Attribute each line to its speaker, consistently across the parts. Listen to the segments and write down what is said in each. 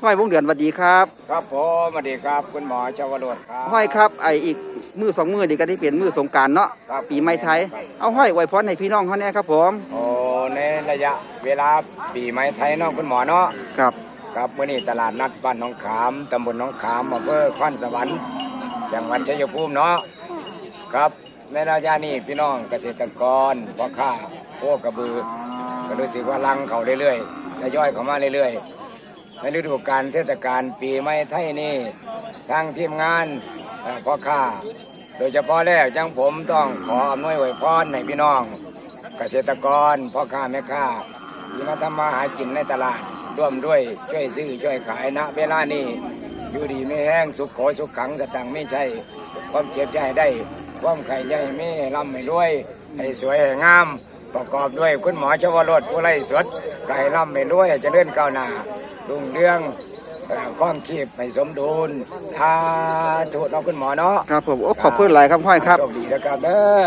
Speaker 1: ห้อยวงเดือนสวัสดีครับ
Speaker 2: ครับผมสวัสดีครับคุณหมอชวโรจน์ครับ
Speaker 1: ห้อยครับอีกมือสองมือดีก็ที่เปลี่ยนมือสงกรานต์เนาะปีใหม่ไทยเอาห้อยอวยพรให้พี่น้องเขาแน่ครับผม
Speaker 2: โอ้ในระยะเวลาปีใหม่ไทยเนาะคุณหมอเนาะ
Speaker 1: ครับ
Speaker 2: ครับมื้อนี้ตลาดนัดบ้านหนองขามตำบลหนองขามอำเภอคอนสวรรค์จังหวัดชัยภูมิเนาะครับในระยะนี้พี่น้องเกษตรกรพ่อค้าโคกระบือก็รู้สึกว่าลังเขาเรื่อยๆทยอยเข้ามาเรื่อยๆในฤดูกาลเทศกาลปีใหม่ไทยนี่ทางทีมงานพ่อค้าโดยเฉพาะแล้วจังผมต้องขออำนวยอวยพรให้พี่น้องเกษตรกรพ่อค้าแม่ค้าที่มาทำมาหากินในตลาดร่วมด้วยช่วยซื้อช่วยขายณเวลานี้อยู่ดีไม่แห้งสุขโขสุขขังสตังไม่ใช่ความเจ็บใจได้ความไข่ใหญ่ไม่ร่ำไม่รวยให้สวยให้งามประกอบด้วยคุณหมอชวโรจน์ผู้ไร้สดไก่ร่ำไม่รวยจะเลื่อนก้าวหน้ารุ่งเรืองข้องคีบไม่สมดุลทาถูกน้องคุณหมอเนาะ
Speaker 1: ครับผมขอบคุณหลายครับห้อยครับ
Speaker 2: โชคดีนะครับเด้อ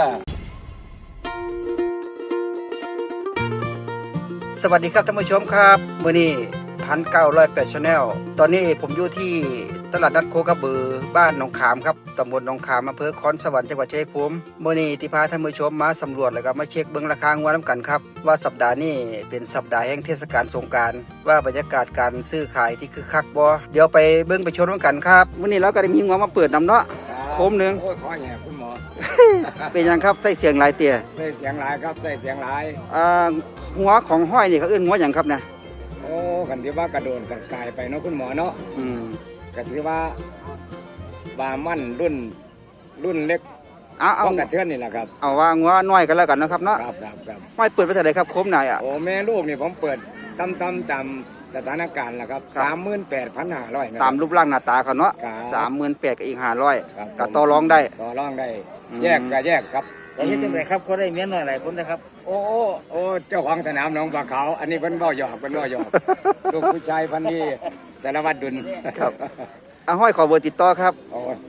Speaker 1: สวัสดีครับท่านผู้ชมครับมื้อนี้1908 Channel ตอนนี้ผมอยู่ที่ตลาดนัดโคกระบือบ้านหนองขามครับตำบลหนองขามอำเภอคอนสวรรค์จังหวัดชัยภูมิมื้อนี้ที่พาท่านผู้ชมมาสำรวจแล้วก็มาเช็คเบิ่งราคางัวน้ำกันครับว่าสัปดาห์นี้เป็นสัปดาห์แห่งเทศกาลสงกรานต์ว่าบรรยากาศการซื้อขายที่คึกคักบ่เดี๋ยวไปเบิ่งไปชมกันครับมื้อนี้เราก็ได้มีงัวมาเปิดนำเนาะโคมนึง
Speaker 2: โอ้ยขอแห่คุณหมอ
Speaker 1: เป็นยังครับใส่เสียงหลายเตี่ย
Speaker 2: ใส่เสียงหลายครับใส่เสียงหลาย
Speaker 1: หัวของห้อยนี่เขาเอื้นหัวอย่างครับนะ
Speaker 2: โอ้กันที่ว่ากระโดดกระกายไปเนาะคุณหมอเนาะกันที่ว่าบามั่นรุ่นเล็ก
Speaker 1: เอา
Speaker 2: กระเทือนนี่แหละครับ
Speaker 1: เอาว่างัวน้อยกันแล้วกันนะครับเนาะ
Speaker 2: ครับ
Speaker 1: ห้อยเปิดไปเท่าไหร่ครับโคมไหนอ่ะ
Speaker 2: โอ้แม่ลูกนี่ผมเปิดตามสถานการณ์แหละครับ38,500
Speaker 1: ตามรูปร่างหน้าตาเขาเนาะ38,000กับอีก500ก็ต่อรองได้
Speaker 2: แยกก็แยกครับ
Speaker 1: เฮ็ดจังได๋ครับเขาได้เมียน้อยหลายคนนะครับ
Speaker 2: โอ้เจ้าของสนามหนองปลาเขาอันนี้เพิ่นเว้าหยอกลูกผู้ชายพันธุ์นี้สารวัตรดุล
Speaker 1: ครับห้อยขอเบอร์ติดต่อครับ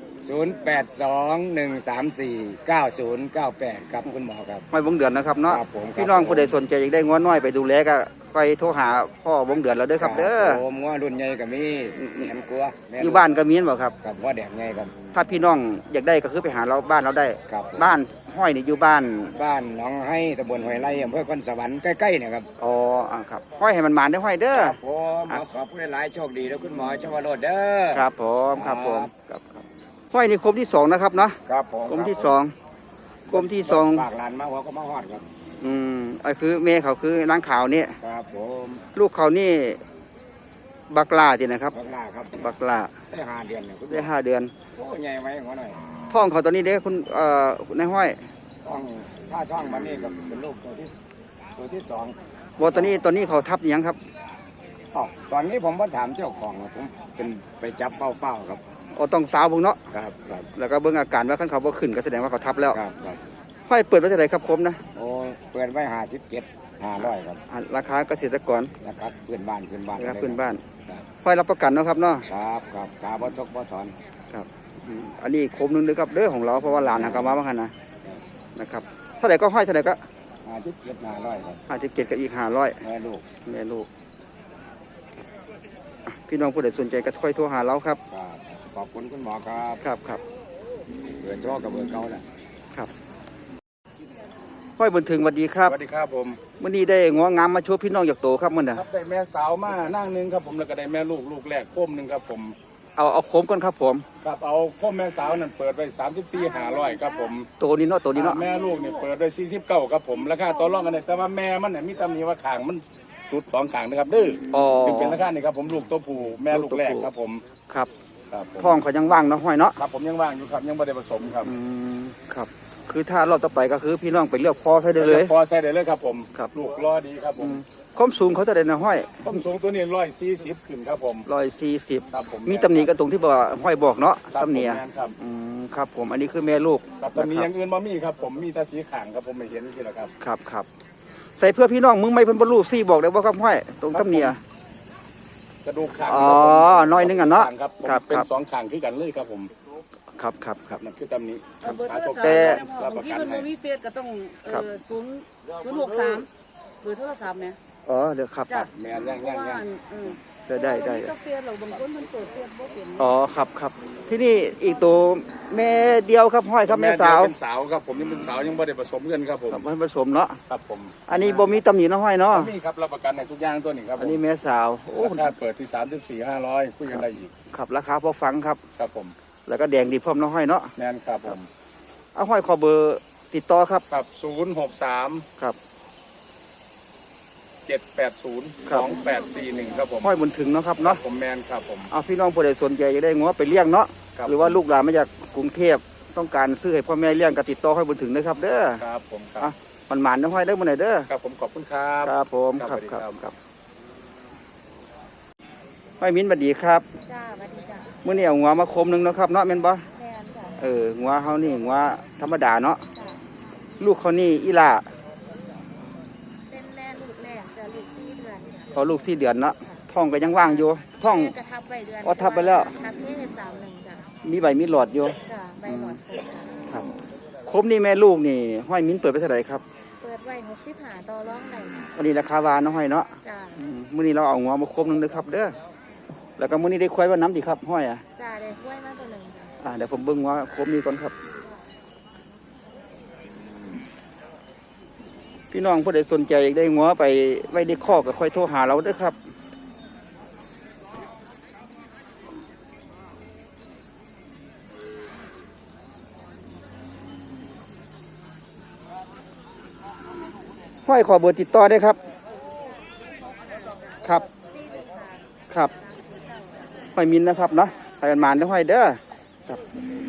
Speaker 2: 0821349098ครับคุณหมอครับ
Speaker 1: ห้อยวงเดือนนะครับเนาะพี่น้องผู้ใดสนใจอยากได้งัวน้อยไปดูแลก็ไปโทรหาพ่อวงเดือนเราเด้อครับเด้อ
Speaker 2: ผมงัวรุ่นใหญ่ก็มีแสนกว่า
Speaker 1: อยู่บ้านก็มีบ่ครับ
Speaker 2: ครับงัวแดงใหญ่ครับ
Speaker 1: ถ้าพี่น้องอยากได้ก็คือไปหาเราบ้านเราได้บ้านห้อยนี่อยู่บ้าน
Speaker 2: หนองให้ตำบลห้วยไร่อำเภอคอนสวรรค์ใกล้ๆเนี่ยครับ
Speaker 1: อ๋อครับห้อยให้มันหมานได้ห้อยเด้อ
Speaker 2: ครับผมขอบคุณหลายโชคดีแล้วคุณหมอชวโรจน์เด้อ
Speaker 1: ครับผมครับห้อยนี่คมที่2นะครับเนาะ
Speaker 2: ครับผม
Speaker 1: คมที่2
Speaker 2: ฝากหลานมาหัวก็มาฮอดครับ
Speaker 1: คือแม่เขาคือนางขาวนี่
Speaker 2: ครับผม
Speaker 1: ลูกเขานี่บักลาจีนะครับบักลา
Speaker 2: ได้5 เดือนเนี่ย
Speaker 1: ได้5 เดือน
Speaker 2: โอ้ใหญ่ไว้หัวหน่อย
Speaker 1: ท้องเขาตอนนี้เด้คุณในห้อย
Speaker 2: ถ้าช่องวันนี้ก็เป็นลูกตัวที่2
Speaker 1: ตอนนี้เขาทับยังครับ
Speaker 2: ตอนนี้ผมก็ถามเจ้าของผมเป็นไปจับเฝ้าครับ
Speaker 1: ต้องสาวเบิ่งเนาะ
Speaker 2: ครับ
Speaker 1: แล้วก็เบิ่งอาการว่าคันเขาบ่ขึ้นก็แสดงว่าเขาทับแล้ว
Speaker 2: ครับ
Speaker 1: ห้อยเปิดไว้เท่าไหร่ครับคมนะ
Speaker 2: โอ้เปิดไว้57,500ครับ
Speaker 1: ราคาเกษตรกร
Speaker 2: นะครับเพื่อนบ้าน
Speaker 1: ห้อยรับประกันเนาะครับเนาะ
Speaker 2: ครับขาบ่ทกบ่ถอน
Speaker 1: ครับอันนี้คมนึงเลยครับเด้อของเราเพราะว่าหลานเขามาบ้างนะครับเท่าไหร่ก็ห้อยเท่าไหร่ก็
Speaker 2: 57,500ครับ
Speaker 1: 57กับอีก500แม่ลูกพี่น้องผู้ใดสนใจก็ค่อยโทรหาเราครับ
Speaker 2: ขอบคุณคุณหมอครับ
Speaker 1: ครับ
Speaker 2: เบอร์โทรกับเบอร์เก่าแหละ
Speaker 1: ครับห้อยบุญถึงสวัสดีครับ
Speaker 2: สวัสดีครับผม
Speaker 1: มื้อนี้ได้งัวงามมาโชว์พี่น้องอยากโตครับมื้อน่ะ
Speaker 2: ครับได้แม่สาวมานั่งนึงครับผมแล้วก็ได้แม่ลูกแรกโคมนึงครับผม
Speaker 1: เอาโคมก่อนครับผม
Speaker 2: ครับเอาโคมแม่สาวนั่นเปิดไว้34,500ครับผม
Speaker 1: โตนี้เนาะ
Speaker 2: แม่ลูกนี่เปิดไว้49ครับผมราคาต่อรองกันได้แต่ว่าแม่มันน่ะมีตำหนิว่าข้างมันสุด2ข้างนะครับดื้อถึงเป็นราคานี่ครับผมลูกตัวผู้แม่ลูกแรกครับผม
Speaker 1: ครับท้องเขายังว่างเนาะห้อยเนาะ
Speaker 2: ครับผมยังว่างอยู่ครับยังไม่ได้ผสมครับ
Speaker 1: ครับคือถ้ารอบต่อไปก็คือพี่น้องไปเลือกพอใส่ได้เลย
Speaker 2: พอใส่ได้เลยครับผมครับลูกรอดีครับผม
Speaker 1: ความสูงเขาจะได้นะห้อย
Speaker 2: ความสูงตัวนี้140ขึ้นครับผม
Speaker 1: 140
Speaker 2: ครับผม
Speaker 1: มีตำหนิกันตรงที่บอกห้อยบอกเนาะตำหนิครับผมอันนี้คือแม่ลูก
Speaker 2: ตำหนิอย่างอื่นบ่มีครับผมมีแต่สีขางครับผมไม่เห็นที่ละครับ
Speaker 1: ครับใส่เพื่อพี่น้องมึงไม่เพิ่นบรรลุซี่บอกได้ว่าครับห้อยตรงตำหนิ
Speaker 2: กระดูกขาง
Speaker 1: น้อยนึงอ่ะเนาะ
Speaker 2: ครับเป็น2ข้างคือกันเลยครับผม
Speaker 1: ครับ
Speaker 2: นั่นคือตำหนิ
Speaker 1: แต่
Speaker 3: บางทีมันมีเฟซก็ต้อง063เบอร์โทรศัพท์เนี่ย
Speaker 1: เดี๋ยวครับ
Speaker 2: แม่ย่าง
Speaker 1: ได้
Speaker 3: กาแฟเราบางคนมันเปิดเฟซบ่เป็น
Speaker 1: อ๋อครับที่นี่อีกตัวแม่เดียวครับห้อยครับแม่สาว
Speaker 4: เป็นสาวครับผมยังเป็นสาวยังไม่ได้ผสมกันครับผม
Speaker 1: ครับให้ผสมเนาะ
Speaker 4: ครับผม
Speaker 1: อันนี้บ่มีตำหนิเนาะห้อยเนาะ
Speaker 4: นี่ครับรับประกันในทุกอย่างตัวนี้ครับผ
Speaker 1: อัน
Speaker 4: ม
Speaker 1: นี้แม่สาวโอ้
Speaker 4: ราคาเปิดที่34,500คุยกันได้อีก
Speaker 1: ครับราคาพอฟังครับ
Speaker 4: ครับผม
Speaker 1: แล้วก็แดงดีพร้อมเนาะห้อยเนาะ
Speaker 4: แน่นครับผม
Speaker 1: เอาห้อยขอเบอร์ติดต่อครับ
Speaker 4: ครับ063
Speaker 1: ครับ
Speaker 4: 780
Speaker 1: ครับ
Speaker 4: 2841ครับผม
Speaker 1: ห้อยบุญถึงเนาะครับเนาะ
Speaker 4: ผมแมนครับผม
Speaker 1: เอาพี่น้องผู้ใดสนใจจะได้งัวไปเลี้ยงเนาะ
Speaker 4: ครับ
Speaker 1: หรือว่าลูกหลานมาจากกรุงเทพต้องการซื้อให้พ่อแม่เลี้ยงก็ติดต่อห้อยบุญถึงนะครับเด้อ
Speaker 4: ครับผมครับ
Speaker 1: อ่ะมันหมานนะห้อยเด้อมื้อไหนเด้อ
Speaker 4: ครับผมขอบคุณครับ
Speaker 1: ครับผม
Speaker 4: ครับ
Speaker 1: ครับ
Speaker 4: สวัสดีครับ
Speaker 1: ห้อยมิ้นบัดดีครับ
Speaker 3: จ้าสวัสดีจ้า
Speaker 1: มื้อนี้เอางัวมาคมหนึงเนาะครับเนาะแม่นบ่
Speaker 3: แม่นจ้า
Speaker 1: งัวเฮานี่งัวธรรมดาเนาะ
Speaker 3: จ้า
Speaker 1: ลูกเขานี่อีหล่า
Speaker 3: เป็นแม่ลูกแรกจ้าลูก4 เดือน
Speaker 1: พอลูก4 เดือนเนาะท้องก็ยังว่างอยู่ท้อง
Speaker 3: แม่กระทับไปเดือน
Speaker 1: อ๋อทับไปแล้ว
Speaker 3: ทับที่31จ้า
Speaker 1: มีใบมีหลอดอยู่
Speaker 3: จ้าใบหลอดครบจ้า
Speaker 1: ครับคมนี่แม่ลูกนี่ห้อยมิ้นเปิดไปเท่าไหร่ครับ
Speaker 3: เปิดไว้65ต่อรองได้จ้ะ
Speaker 1: อันนี้ราคาวาเนาะห้อยเนาะ
Speaker 3: จ้า
Speaker 1: มื้อนี้เราเอางัวมาคมหนึงเด้อครับเด้อแล้วก็มื้อนี้ได้ควายว่าน้ำดีครับห้อยอ่ะ
Speaker 3: จ้าได้กล้วยมาตัวหนึ่งจ้า
Speaker 1: เดี๋ยวผมเบิ่งว่าคมนี้ก่อนครับ พี่น้องผู้ใดสนใจอยากได้งัวไปไว้ในคอกก็ค่อยโทรหาเราเด้อครับห้อยขอเบอร์ติดต่อได้ครับ ครับ ครับห้อยมินนะครับเนาะไปกันมานเด้อห้อยเด้อครับ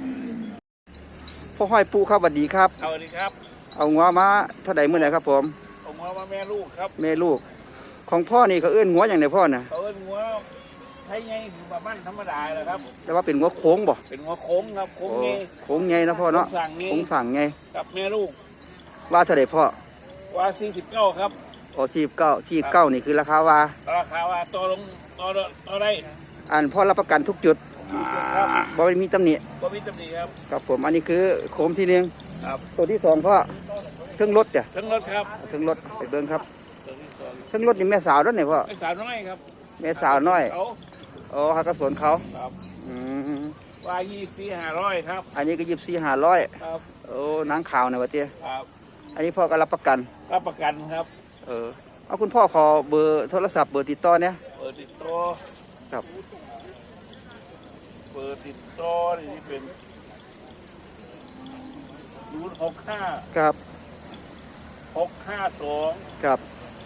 Speaker 1: พ่อห้อยปูครับสวัสดีครับ
Speaker 4: สวัสดีครับ
Speaker 1: เอางัวมาเท่าใดมื้อไหนครับผม
Speaker 4: ผมว่าแม่ลูกครับ
Speaker 1: แม่ลูก ของพ่อนี่เขาเอื้อนงัวอย่างไรพ่อน่ะ
Speaker 4: เขาเป็นหัวไทยไงคือแบบบ้านธรรมดาเลยครับ
Speaker 1: แต่ว่าเป็นงัวโค้งบ่
Speaker 4: เป็นหัวโค้งครับโค้งไง
Speaker 1: โค้งไงนะพ่อเนาะ
Speaker 4: สั่งไง
Speaker 1: โค้งสั่งไง
Speaker 4: กับแม่ลูก
Speaker 1: ว่าเท่าใดพ่อ
Speaker 4: ว่า49ครับ
Speaker 1: อ๋อ49นี่คือราคาว่า
Speaker 4: ราคาว่าต่อลงต่อได้
Speaker 1: อันพ่อรับประกันทุกจุด
Speaker 4: ครับ
Speaker 1: บ่มีตำหนิ
Speaker 4: ก็มีตำหนิครับ
Speaker 1: ครับผมอันนี้คือโคมที่หนึ่ง
Speaker 4: ครับ
Speaker 1: ตัวที่สองพ่อเครื่องรถจ้ะ
Speaker 4: ทั้งรถครับ
Speaker 1: เครื่องรถไปเบิ่งครับ
Speaker 4: ตัวที่สอง
Speaker 1: เครื่องรถนี่แม่สาวด้วยเนี่ยพ่อ
Speaker 4: ไอ้สาวน้อยครับ
Speaker 1: แม่สาวน้อย
Speaker 4: เขา
Speaker 1: อ๋อฮักกระสวนเขา
Speaker 4: ครับ
Speaker 1: อืม
Speaker 4: ว่า24,500ครับ
Speaker 1: อันนี้ก็24,500
Speaker 4: ครับ
Speaker 1: โอ้นางขาวนะวะเตี้ย
Speaker 4: ครับ
Speaker 1: อันนี้พ่อก็รับประกัน
Speaker 4: รับประกันครับ
Speaker 1: เอาคุณพ่อขอเบอร์โทรศัพท์เบอร์ติดต่อเนี่ย
Speaker 4: เปิดติดต่อ
Speaker 1: ครับ
Speaker 4: เปิดติดต่อนี่เป็น065
Speaker 1: ครับ
Speaker 4: 652
Speaker 1: ครับ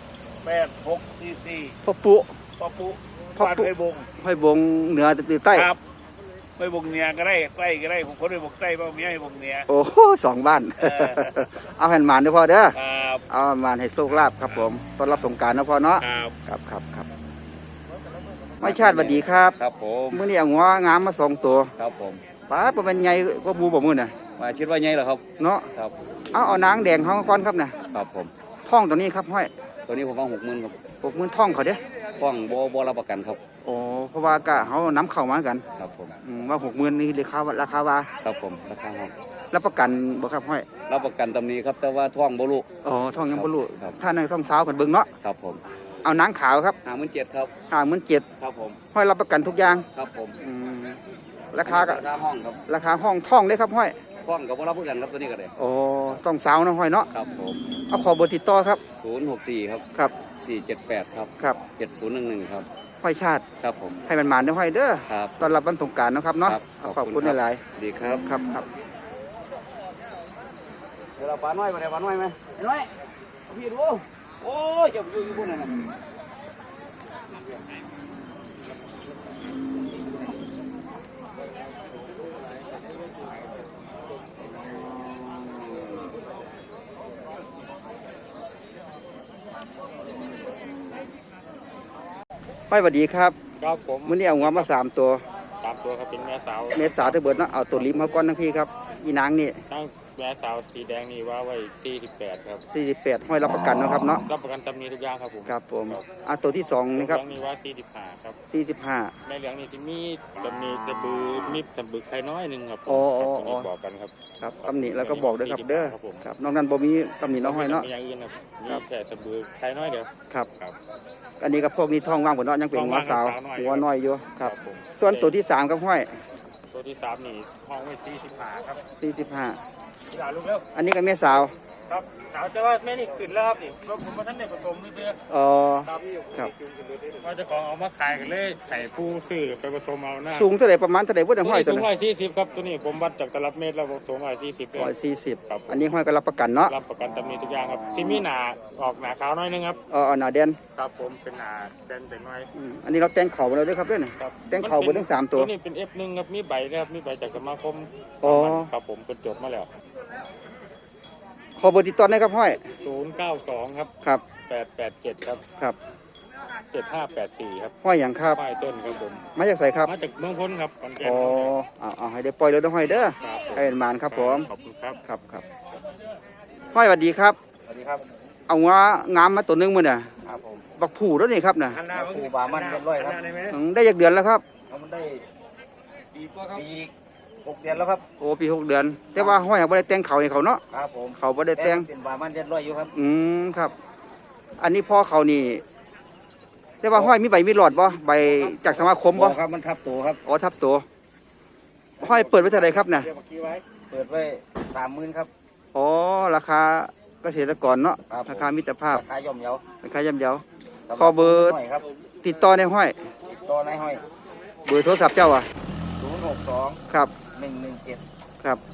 Speaker 4: 8644
Speaker 1: พ่อปุ๊
Speaker 4: ปอปุ
Speaker 1: พ่อ
Speaker 4: บ้าน
Speaker 1: ปุ๊
Speaker 4: ไปบง
Speaker 1: ห้อยบงเหนือตือใต้
Speaker 4: ครับไปบงเหนียก็ได้ใต้ก็ได้ผมคนไปบงใต้บ้างเมียให้บงเหนีย
Speaker 1: โอ้โหสองบ้าน
Speaker 4: เออ
Speaker 1: เอาแผ่นหมานเด้อพ่อเด้อ
Speaker 4: ครับ
Speaker 1: เอาแผ่นหมานให้โชคลาภครับผมต้อนรับสงกรารนะพ่อเนาะ
Speaker 4: ครับ
Speaker 1: ครับไม่ชาติสวัสดีครับ
Speaker 2: ครับผม
Speaker 1: มื้อนี้เอางัวงามมาสองตัว
Speaker 2: ครับผม
Speaker 1: ป้าบ่เป็นไงก็บูบ่มื้อน่ะ
Speaker 2: มาคิดว่าไงเหรอครับ
Speaker 1: เนาะ
Speaker 2: ครับ
Speaker 1: เอานางแดงเฮาก่อนครับน่ะ
Speaker 2: ครับผม
Speaker 1: ท่องตัวนี้ครับห้อย
Speaker 2: ตัวนี้ผมฟัง60,000ครับ
Speaker 1: 60,000ท่องเขาเด้อ
Speaker 2: ฟ้องบ่รับประกันครับ
Speaker 1: โอ้เพราะว่ากะเฮานํเข้ามากัน
Speaker 2: ครับผม
Speaker 1: ว่า60,000นี่ราคาว่า
Speaker 2: ครับผมราคาห้อง
Speaker 1: รับประกันบ่ครับห้อย
Speaker 2: รับประกันตำหนี้ครับแต่ว่าท้องบ่ลูก
Speaker 1: อ๋อท่องยังบ่รู้
Speaker 2: ครับ
Speaker 1: ถ้าในท่องสาวกันเบิ่งเนาะ
Speaker 2: ครับผม
Speaker 1: เอานางขาวครับ
Speaker 2: 57,000ครับ
Speaker 1: 57,000
Speaker 2: ครับผม
Speaker 1: ห้อยรับประกันทุกอย่าง
Speaker 2: ครับผม
Speaker 1: ราคาก็
Speaker 2: ราคาห้องครับ
Speaker 1: ราคาห้องท่องเลยครับห้อย
Speaker 2: ฟ้องกับบ่รับประกันครับตัวนี้ก็ได้
Speaker 1: โอ้ต้องสาวนะห้อยเนาะ
Speaker 2: ครับผม
Speaker 1: เอาขอเบอร์ติดต่อครับ
Speaker 2: 064ครับ
Speaker 1: ครับ
Speaker 2: 478ครับ
Speaker 1: ครับ
Speaker 2: 7011ครับ
Speaker 1: ห้อยชาติ
Speaker 2: ครับผม
Speaker 1: ให้มันหมานเด้อห้อยเด้อ
Speaker 2: ครับ
Speaker 1: ตอนรับวันสงกรานต์เนาะครับเนาะ
Speaker 2: ครับ
Speaker 1: ขอบคุณหลาย
Speaker 2: ดีครับ
Speaker 1: ๆครับครับ
Speaker 2: เดี๋ยวเราปลาน้อยมาได้ปลาน้อยไหมน้อยพี่ดูโอ้ยจะอยู่บนนั้นน่ะ
Speaker 1: ห้อยสวัสดีครับ
Speaker 4: ครับผม
Speaker 1: มื้อนี้เอางัวมา3 ตัว
Speaker 4: ตามตัวครับเป็นแม่สาว
Speaker 1: เมษาเด้อเบิดเนาะเอาตัวลิมมาก่อนทั้งพี่ครับอีนางนี่
Speaker 4: ตั้ง
Speaker 5: แม่สาวสีแดงนี่ว่าไว้48ครับ
Speaker 1: 48ห้อยรับประกันเนาะครับเนาะ
Speaker 5: รับประกันตำหนิทุกอย่างครับผม
Speaker 1: ครับผมตัวที่สองนี่ครับ
Speaker 5: ตัวนี้ว่า45ครับ
Speaker 1: 45
Speaker 5: แม่เหลืองนี่ที่มีตำหนิสะบือมีสะบือไข่น้อยหนึงครับผม
Speaker 1: อ๋อ
Speaker 5: ครับตัวนี้บอกกันครับ
Speaker 1: ครับตำหนิแล้วก็บอกด้วยครับเด้อ
Speaker 5: ครับผม
Speaker 1: ครับนอกนั้นบ่มีตำหนิเน้องห้อยเนาะ
Speaker 5: มีอย่างอื่นครับมีแค่สะบือไข่น้อยเดียว
Speaker 1: ครับ
Speaker 5: ครับ
Speaker 1: อันนี้กับพวกนี้ท้องว่างบนเนาะยังเป็นหัวสาว
Speaker 5: ท้องว่าง
Speaker 1: หัวน้อยอยู่ครับ
Speaker 5: ผม
Speaker 1: ส่วนตัวที่3ครับห้อย
Speaker 5: ตัวที่3นี่ห้องไว้45ครับ
Speaker 1: 45
Speaker 5: อย่าลูกเร็ว
Speaker 1: อันนี้ก็แม่สาว
Speaker 5: ครับสาวจะว่าแม่นี่ขึ้นแล้วครับนี่รถผมมาท่านได้ผสมนี่เด้อ
Speaker 1: อ๋อ
Speaker 5: ครับ
Speaker 1: ครับ
Speaker 5: ว่าเจะของเอามาขายกันเลยไข่ผู้ซื้อไปผสมเอาหน้า
Speaker 1: สูงเท่าไหร่ประมาณเท่าไหร่เพิ่น
Speaker 5: ตัว
Speaker 1: ห้อย
Speaker 5: นี้
Speaker 1: ตัว
Speaker 5: สูง
Speaker 1: นั้น
Speaker 5: 140ครับตัวนี้ผมวัดจากตลับเมตรแล้วสูง140เลย
Speaker 1: 140
Speaker 5: ครับ
Speaker 1: อันนี้ห้อยก็รับประกันเนาะ
Speaker 5: รับประกันตำหนิทุกอย่างครับซิมีหนาออกหนาขาวหน้อยนึงครับ
Speaker 1: หน้าแดน
Speaker 5: ครับผมเป็นหนาแดนแต่น้อย
Speaker 1: อันนี้เราแต่งเข่าไปแล้วด้วยครับเด้อนี่
Speaker 5: ครับ
Speaker 1: แต่งเข่าเบอร์ทั้ง3ตัว
Speaker 5: ตัวนี้เป็น F1 ครับมีใบนะครับมีใบจากสมาคม
Speaker 1: อ๋อ
Speaker 5: ครับผมเป็นจดมาแล้ว
Speaker 1: ขอเบอร์ติดต่อได้ครับห้อย
Speaker 5: 092ครับ
Speaker 1: ครับ
Speaker 5: 887ครับ
Speaker 1: ครับ
Speaker 5: 7584ครับ
Speaker 1: ห้อยอย่างครับ
Speaker 5: ป้ายต้นครับผม
Speaker 1: มาจากไสครับ
Speaker 5: มาจากเมืองพ้นครับขอนแก่น
Speaker 1: อ๋อ
Speaker 5: ครับ
Speaker 1: เอาให้ได้ปล่อยเลยเด้อห้อยเด้อ
Speaker 5: ครับผม
Speaker 1: ให้เป็นหมานครับผม
Speaker 5: ขอบคุณครับ
Speaker 1: ครับห้อยสวัสดีครับ
Speaker 2: สวัสดีครับ
Speaker 1: เอางางามมาตัวหนึงมื้อน่ะ
Speaker 2: ครับผม
Speaker 1: บักผู่แล้วนี่ครับน่ะ
Speaker 2: ครูบามันเรียบร้อยครับ
Speaker 1: ได้จักเดือนแล้วครับ
Speaker 2: แล้วมันได้ปี6 เดือนแล้วครับ
Speaker 1: โอ้ปี6 เดือน แต่ว่าห้อยยังบ่ได้แต่งเขาให้เขาเนาะ
Speaker 2: ครับผม
Speaker 1: เขาบ่ได้แต่ง
Speaker 2: เป็นบามันเรียบร้อยอยู่ครับ
Speaker 1: ครับ อันนี้พ่อเขานี่แต่ว่าห้อยมีใบมีหลอดบ่ใบจากสมาคมบ่
Speaker 2: ครับมันทับตัวครับ
Speaker 1: อ๋อทับตัวห้อยเปิดไว้เท่าไหร่ครับน่ะ
Speaker 2: เปิดไว้30,000ครับ
Speaker 1: อ๋อราคาเกษตรกรเนาะ
Speaker 2: ครับผม
Speaker 1: ราคามิตรภาพ
Speaker 2: ราคาย่อมเยา
Speaker 1: ราคาย่ำเยา
Speaker 2: สำห
Speaker 1: ขอเบอร์
Speaker 2: หน่อยครับ
Speaker 1: ติดต่อในห้อย
Speaker 2: ตัวนายห้อย
Speaker 1: เบอร์โทรศัพท์เจ้าอ่ะ
Speaker 2: 062
Speaker 1: ครับ
Speaker 2: 117
Speaker 1: ครับ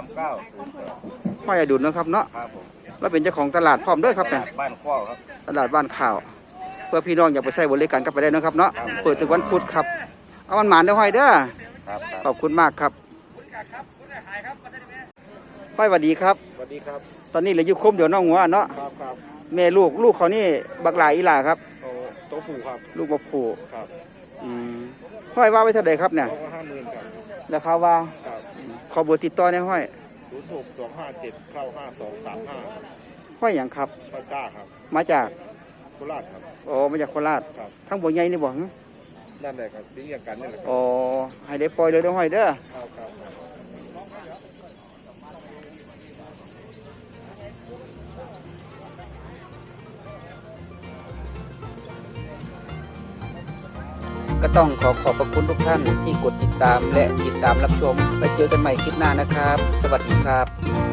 Speaker 2: 3908
Speaker 1: ห้อยอดุลเนาะครับเนาะ
Speaker 2: ครับผม
Speaker 1: แล้วเป็นเจ้าของตลาดพร้อมด้วยครับเนี่ย
Speaker 2: บ้านข้อครับ
Speaker 1: ตลาดบ้านข่าว เพื่อพี่น้องอยากไปใช้บริการก็ไปได้เนาะครับเนาะ
Speaker 2: ครับ
Speaker 1: เปิดถึงวันพุธครับ เอามันหมานเด้อห้อยเด้อ
Speaker 2: ครับ
Speaker 1: ขอบคุณมากครับห้อยสวัสดีครับ
Speaker 2: สวัสดีครับ
Speaker 1: ตอนนี้เหลืออยู่คมเดี๋ยวน้องหัวเนาะ
Speaker 2: ครับครับ
Speaker 1: แม่ลูกเขานี่บักหลายอีหล่าครับ
Speaker 2: โต๊ะผูครับ
Speaker 1: ลูกบักผู
Speaker 2: ครับ
Speaker 1: ห้อยว่าไว้เท่าไหร่ครับเนี่ย
Speaker 2: โต๊ะ50,000ครับ
Speaker 1: ราคาว่า
Speaker 2: ครับ
Speaker 1: ขอเบอร์ติดต่อในห้อย
Speaker 2: 06257เข้า5235
Speaker 1: ห้อยอย่างครับ
Speaker 2: ป้าก้าครับ
Speaker 1: มาจาก
Speaker 2: โคราชครับ
Speaker 1: อ๋อมาจากโคราช
Speaker 2: ครับ
Speaker 1: ทั้งบัวใหญ่นี่บอก
Speaker 2: นั่นแหละครับที่เรียกกันนี่แหละครับ
Speaker 1: อ๋อให้ได้ปล่อยเลยเด้อห้อยเด้อ
Speaker 2: ครับครับ
Speaker 1: ก็ต้องขอบพระคุณทุกท่านที่กดติดตามและติดตามรับชม ไปเจอกันใหม่คลิปหน้านะครับ สวัสดีครับ